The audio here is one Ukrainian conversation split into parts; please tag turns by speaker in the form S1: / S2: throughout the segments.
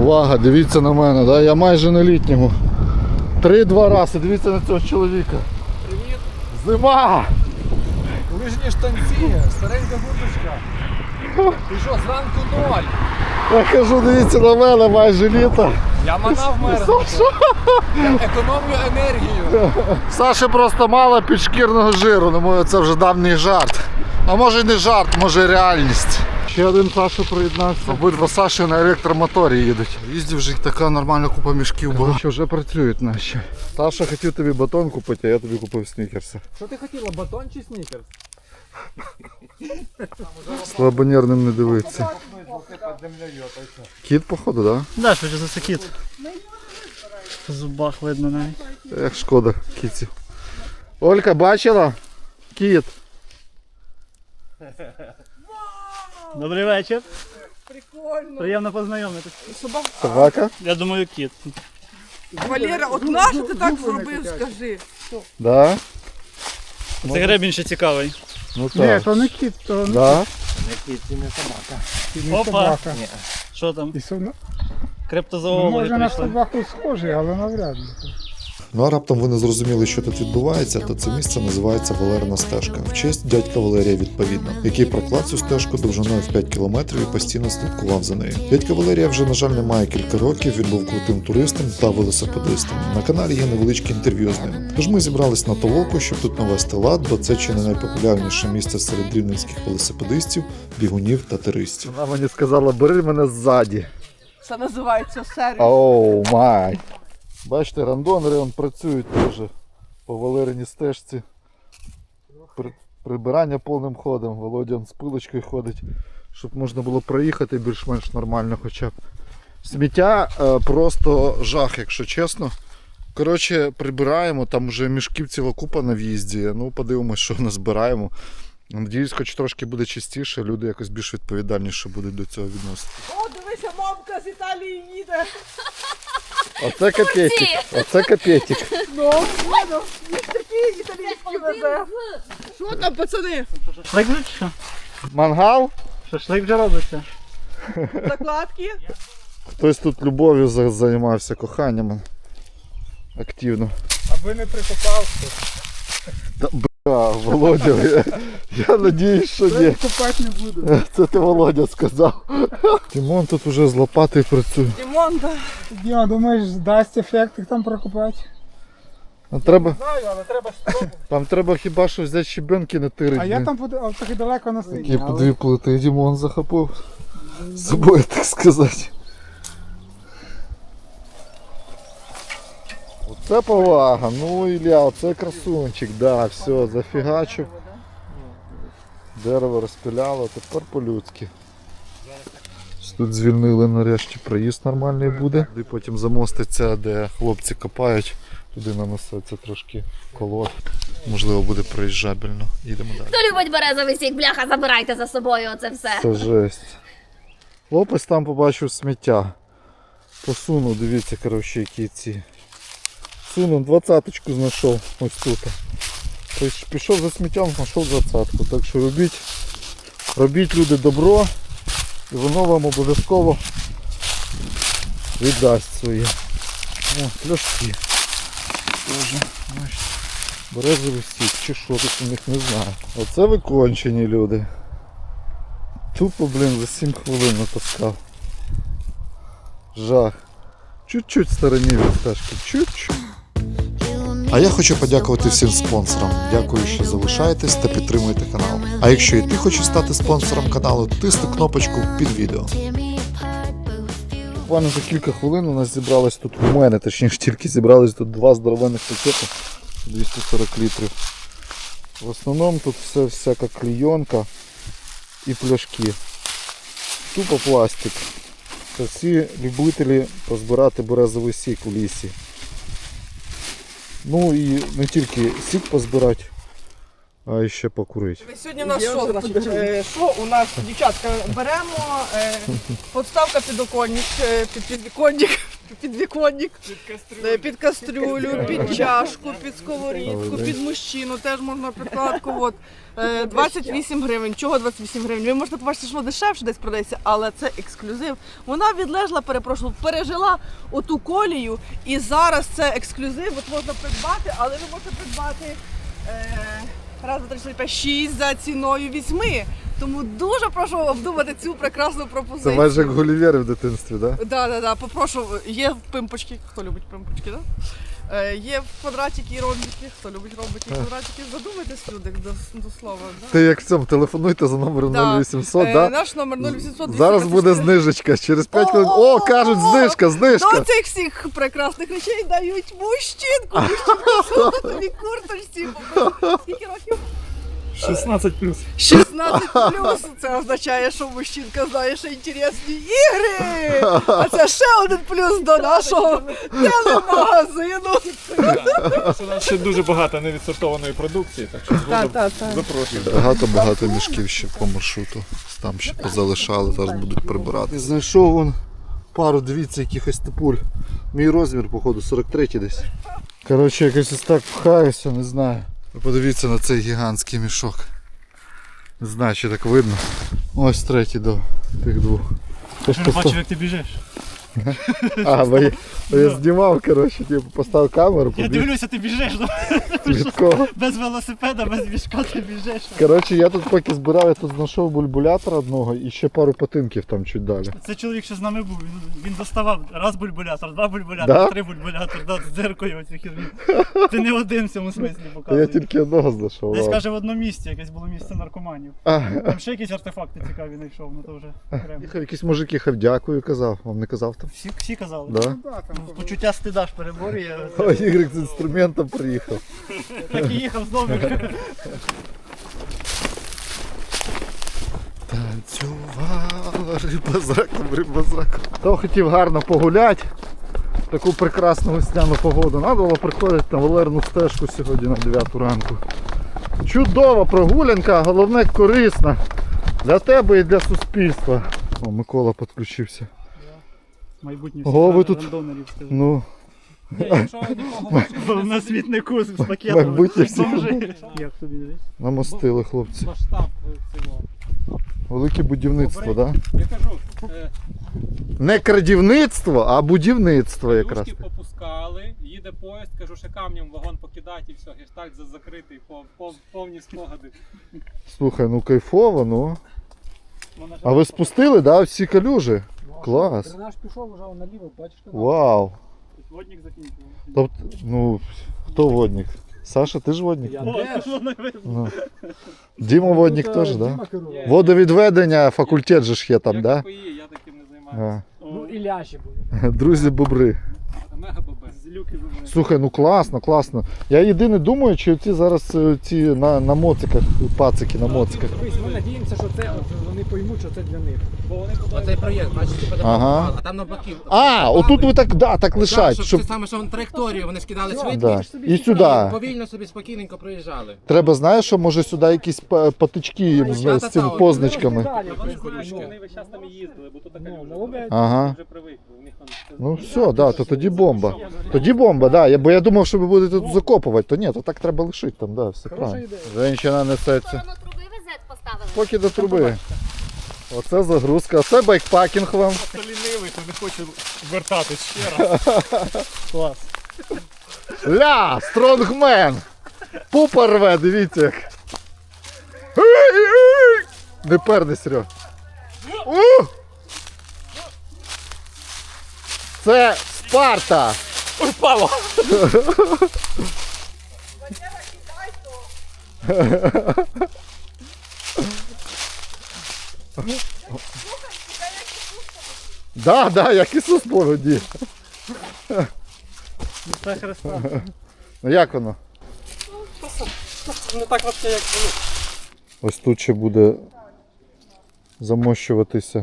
S1: Увага, дивіться на мене, да? Я майже на літньому. 3-2 рази, дивіться на цього чоловіка.
S2: Привіт!
S1: Зима!
S2: Лижні штанці, старенька курточка. Ти що, зранку 0?
S1: Я кажу, дивіться на мене, майже літо.
S2: Я манав мерзнути. Я економлю енергію.
S1: Саші просто мало підшкірного жиру, думаю, це вже давній жарт. А може і не жарт, може і реальність. Ще один Саша приєднався. Обидва Саші на електромоторі їдуть. Їздів вже така нормальна купа мішків була. Що вже працюють наші. Саша хотів тобі батон купити, а я тобі купив снікерси.
S2: Що ти хотіла, батон чи снікерс?
S1: Слабонервним не дивиться. Кіт, походу, так?
S3: Да, швидше за це кіт. В зубах видно навіть.
S1: Як шкода кітів. Олька, бачила? Кіт.
S3: Добрий вечір.
S4: Прикольно.
S3: Приємно познайомитись.
S1: Собака?
S3: Я думаю, кіт.
S4: Валера, от нащо ти так зробив, скажи?
S1: Да?
S3: Це гребінь ще цікавий.
S1: Ну так.
S5: то не кіт, то
S1: Да?
S5: не
S3: Опа.
S5: собака.
S3: Що там?
S5: І сумно.
S3: Криптозоологи
S5: Може на
S3: прийшли.
S5: собаку схожий, але навряд ли.
S6: Ну а раптом ви не зрозуміли, що тут відбувається, то це місце називається Валерина стежка, в честь дядька Валерія відповідно, який проклав цю стежку довжиною в 5 кілометрів і постійно слідкував за нею. Дядька Валерія вже, на жаль, немає кілька років, він був крутим туристом та велосипедистом. На каналі є невеличке інтерв'ю з ним. Тож ми зібрались на толоку, щоб тут навести лад, бо це чи не найпопулярніше місце серед рівненських велосипедистів, бігунів та туристів.
S1: Вона мені сказала, бери мене ззаді.
S4: Це називається сервіс.
S1: Оу май. Бачите, рандонери он працюють теж по Валериній стежці. Прибирання повним ходом. Володя он з пилочкою ходить, щоб можна було проїхати більш-менш нормально хоча б. Сміття просто жах, якщо чесно. Коротше, прибираємо, там вже мішків ціла купа на в'їзді. Ну, подивимось, що назбираємо. Надіюсь, хоч трошки буде чистіше, люди якось більш відповідальніше будуть до цього відносити.
S4: О, дивися, мамка з Італії їде.
S1: Оце капетик, оце капетик.
S4: Ну, він такий італійський везе. Що там, пацани?
S3: Шашлик вже чи що?
S1: Мангал?
S3: Шашлик вже робиться.
S4: Закладки?
S1: Хтось тут любов'ю займався, коханням активно.
S5: Аби не прикопався.
S1: Та бля, Володя, я надіюсь, що ні.
S5: Копати не буду.
S1: Це ти Володя сказав. Тимон тут уже з лопатою працює.
S4: Дімон, да.
S5: Діма, думаєш, дасть ефект їх там прокопати?
S1: Треба,
S5: Знаю, але треба спробувати.
S1: там треба хіба що взяти щебенки натирити.
S5: А я там трохи далеко на сині.
S1: Такі по дві плити Дімон захопив. З собою, так сказати. Оце повага, ну Ілля, оце красунчик, да, все, зафігачив. Дерево розпиляло, тепер по-людськи. Тут звільнили нарешті, проїзд нормальний буде. І потім замоститься, де хлопці копають, туди нанесеться трошки колод. Можливо, буде проїжджабельно. Їдемо далі.
S7: Хто любить березовий сік, бляха, забирайте за собою оце все.
S1: Це жесть. Хлопець там побачив сміття. Посунув, дивіться, коротше, які ці. Сунув, 20-ку знайшов ось тут. Тобто пішов за сміттям, знайшов 20-ку. Так що робіть люди добро, і воно вам обов'язково віддасть своє. О, пляшки. Тоже, бачите. Березовий сік, чи що тут у них, не знаю. Оце викончені люди. Тупо, блін, за 7 хвилин натаскав. Жах. Чуть-чуть в стороні від стежки, чуть-чуть.
S6: А я хочу подякувати всім спонсорам. Дякую, що залишаєтесь та підтримуєте канал. А якщо і ти хочеш стати спонсором каналу, тисни кнопочку під відео.
S1: Буквально за кілька хвилин у нас зібралось тут, у мене точніше тільки зібрались тут 2 здоровенних пакети 240 літрів. В основному тут все всяка клейонка і пляшки. Тупо пластик. Це всі любителі позбирати березовий сік у лісі. Ну і не тільки сік позбирати, А ще покурити.
S4: Сьогодні у нас що, значить, що у нас, дівчатка, беремо подставка підоконник, підвіконник, під кастрюлю, під чашку, під сковорідку, під мужчину, теж можна підкладку. От. 28 гривень. Чого 28 гривень? Ви можете побачити, що воно дешевше десь продається, але це ексклюзив. Вона відлежала, пережила оту колію, і зараз це ексклюзив, от можна придбати, але ви можете придбати раз, два, три, чотири, п'ять, 6 за ціною 8. Тому дуже прошу обдумати цю прекрасну пропозицію.
S1: Це майже як Гулівери в дитинстві, так?
S4: Да, попрошу. Є пимпочки, хто любить пимпочки, да? Є квадратики і ромбики, хто любить ромбики і квадратики. Задумайтесь, люди, до слова. Да?
S1: Ти як в цьому, телефонуйте за номером 0800, да?
S4: Наш номер 0800.
S1: Зараз буде знижечка, через 5 хвилин. О, кажуть, знижка.
S4: До цих всіх прекрасних речей дають мужчинку. Мужчинку тобі курточці. Скільки років?
S5: 16+.
S4: 16+. Це означає, що мужчинка знає, що інтересні ігри. А це ще один плюс до нашого телемагазину.
S2: У нас ще дуже багато невідсортованої продукції, так що запрошую.
S1: Багато мішків ще по маршруту. Там ще позалишали, зараз будуть прибирати. Знайшов вон пару, дивіться, якихось типуль. Мій розмір, походу, 43 десь. Коротше, якось ось так пхаюся, не знаю. Ви подивіться на цей гігантський мішок. Не знаю, чи так видно. Ось третій до тих двох.
S3: Я не бачив, як ти біжиш.
S1: Бо я знімав, коротше, типу, поставив камеру,
S3: Я
S1: побіг.
S3: дивлюся, ти біжиш.
S1: Від кого?
S3: Без велосипеда, без мішка ти біжиш.
S1: Коротше, я тут поки збирав, я тут знайшов бульбулятор одного і ще пару патинків там чуть далі.
S3: Це чоловік, що з нами був, він доставав раз бульбулятор, два бульбулятор,
S1: Да?
S3: 3 бульбулятор, з дзеркою оцю херню. Ти не один в цьому смислі
S1: Та я
S3: показуєш.
S1: тільки одного знайшов.
S3: Десь
S1: ладно.
S3: каже в одному місці, якесь було місце наркоманів. Там ще якісь артефакти цікаві знайшов, ну то вже окремо.
S1: Їхав якийсь мужик їхав, дякую, казав. Вам не казав там?
S3: Всі казали.
S1: Да?
S3: Почуття стида ж переборює.
S1: О, Ігор з інструментом приїхав.
S3: Так і їхав знову.
S1: Танцювала риба з раком. Хто хотів гарно погуляти, таку прекрасну весняну погоду, треба було приходити на Валерну стежку сьогодні на 9 ранку. Чудова прогулянка, головне корисна для тебе і для суспільства. О, Микола підключився.
S3: Майбутні
S1: Ого, ви
S3: всі
S1: тут-
S3: рандонерів, скажи.
S1: Ну,
S3: На смітнику з пакетами.
S1: майбутні всі
S3: Бомжи. Як тобі дивись?
S1: намостили, хлопці.
S2: Масштаб цього.
S1: Велике будівництво, так? Да?
S2: Я кажу,
S1: Не крадівництво, а будівництво якраз.
S2: Юшки попускали, їде поїзд, кажу, ще камнем вагон покидати і все, гештальт закритий, повні спогади.
S1: Слухай, ну кайфово, ну.
S3: Вона ж-
S1: А ви спустили, да, всі калюжі? Клас.
S5: Дренаж пішов вже наліво, бачите?
S1: Вау.
S3: Водник закінчив.
S1: Тобто, ну, хто водник? Саша, ти ж водник?
S5: Я
S3: О,
S5: теж.
S3: це воно видно.
S1: Ну. Діма водник
S5: Тут,
S1: теж,
S5: Діма
S1: да?
S5: керував.
S1: Водовідведення, факультет же ж є там,
S2: Як
S1: да?
S2: КПІ, я таким не займаюся.
S5: Ну і ляші були.
S1: Друзі бобри.
S2: Мега бабе.
S3: З люки вибрали.
S1: Слухай, ну класно, класно. Я єдине думаю, чи ці зараз ці на моциках, пацики на моциках.
S5: Ми надіємося, що це вони поймуть, що це для них.
S8: Оцей проєкт, бачите,
S1: Ага.
S8: а там навпаки.
S1: Отут ви так, да, так лишать,
S8: щоб
S1: щоб...
S8: це саме, що траєкторію вони скидали
S1: Да.
S8: швидкість.
S1: І сюди.
S8: Повільно собі спокійненько проїжджали.
S1: Треба, знаєш, що може сюди якісь патички їм з цими позначками.
S2: Вони знають, що вони весь час там і їздили, бо тут така люжа.
S1: Ага.
S2: Вже привикли, у них там...
S1: Ну все, да, то тоді бомба. Тоді бомба, да. Бо я думав, що ви будете тут закопувати, то ні, то так треба лишити там, да, все правильно. Женщина несеться.
S7: Сторону труби везет поставили.
S1: Поки до труби. Оце загрузка, оце байкпакінг вам.
S2: Хто лінивий, то не хоче вертатись ще раз.
S3: Клас.
S1: Ля, стронгмен! Пупа рве, дивіться як. Не перни, Серьо. Це Спарта!
S2: Ой, впало!
S1: Да, як Ісус погоді.
S3: Це Христа.
S1: Ну як воно?
S2: Не так взагалі, як було.
S1: Ось тут ще буде замощуватися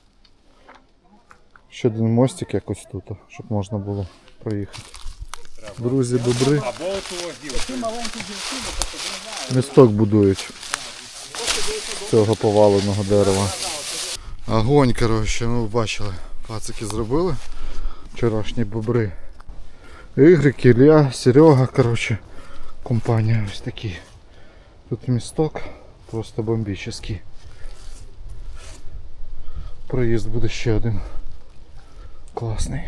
S1: ще один мостик якось тут, щоб можна було проїхати. Друзі, бобри.
S2: Або оту
S1: Місток будують з цього поваленого дерева. Огонь, коротше, ну бачили, пацики зробили вчорашні бобри. Ігрик, Ілля, Серега, коротше, компанія ось такі. Тут місток просто бомбічний. Проїзд буде ще один. Класний.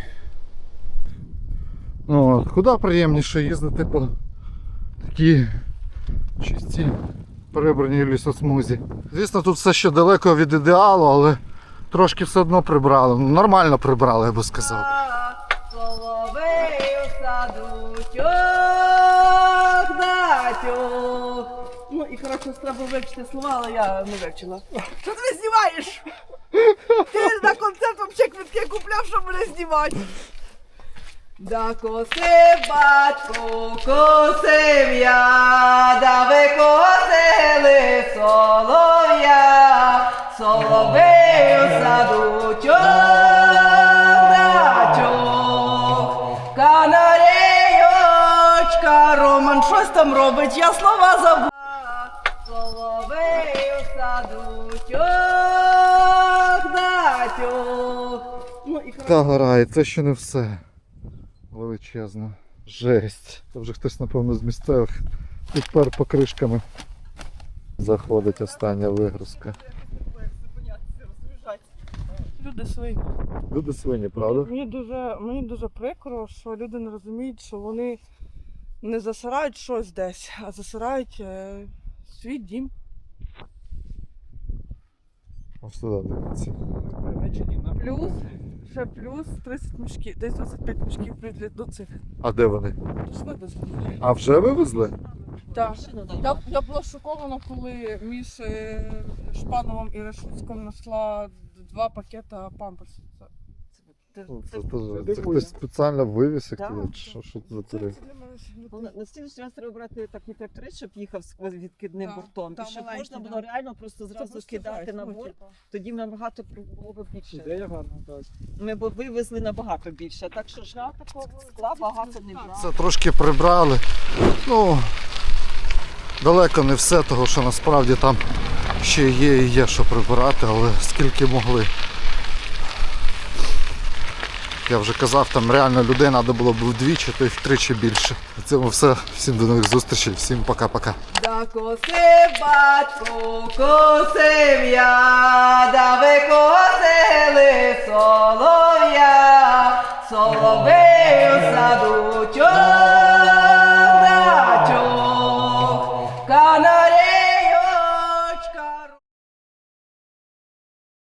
S1: Ну, от, куди приємніше їздити по такій чистій прибраній лісосмузі. Звісно, тут все ще далеко від ідеалу, але трошки все одно прибрали. Ну, нормально прибрали, я би сказав.
S4: Соловей у саду тьох. Ну і коротше, треба вивчити слова, але я не вивчила. Що ти мене знімаєш? Ти на концерт взагалі квитки купляв, щоб мене знімати. Да косив батько, косив я, да ви косили солов'я, соловей у саду тьох, канарейочка, Роман щось там робить, я слова забула. Соловей у саду тьох. Ну, і
S1: Та гора, і це ще не все. Величезно. Жесть. Це вже хтось, напевно, з місцевих підпер покришками. Заходить остання вигрузка.
S4: люди свині.
S1: Люди свині, правда?
S4: Мені дуже прикро, що люди не розуміють, що вони не засирають щось десь, а засирають свій дім.
S1: Ось туди дивіться.
S4: Плюс 30 мішків, десь 25 мішків прийдуть до цих.
S1: А де вони?
S4: До вивезли.
S1: А вже вивезли?
S4: Так. Я була шокована, коли між Шпановим і Решуцьком знайшла 2 пакета памперсів.
S1: Це хтось спеціально вивіз їх туди? Що це за тури?
S9: На слідчий раз треба брати такий тракторист, щоб їхав з відкидним бортом, і щоб можна було реально просто зразу кидати на борт, тоді набагато було б більше.
S5: Ідея гарна, так.
S9: Ми б вивезли набагато більше, так що ж скла багато не брали.
S1: Це трошки прибрали. Ну, далеко не все, того що насправді там ще є і є що прибирати, але скільки могли. Я вже казав, там реально людей треба було б вдвічі, то й втричі більше. На цьому все. Всім до нових зустрічей, всім пока-пока.
S4: Да косив батько, косив я, да ви косили солов'я, соловей.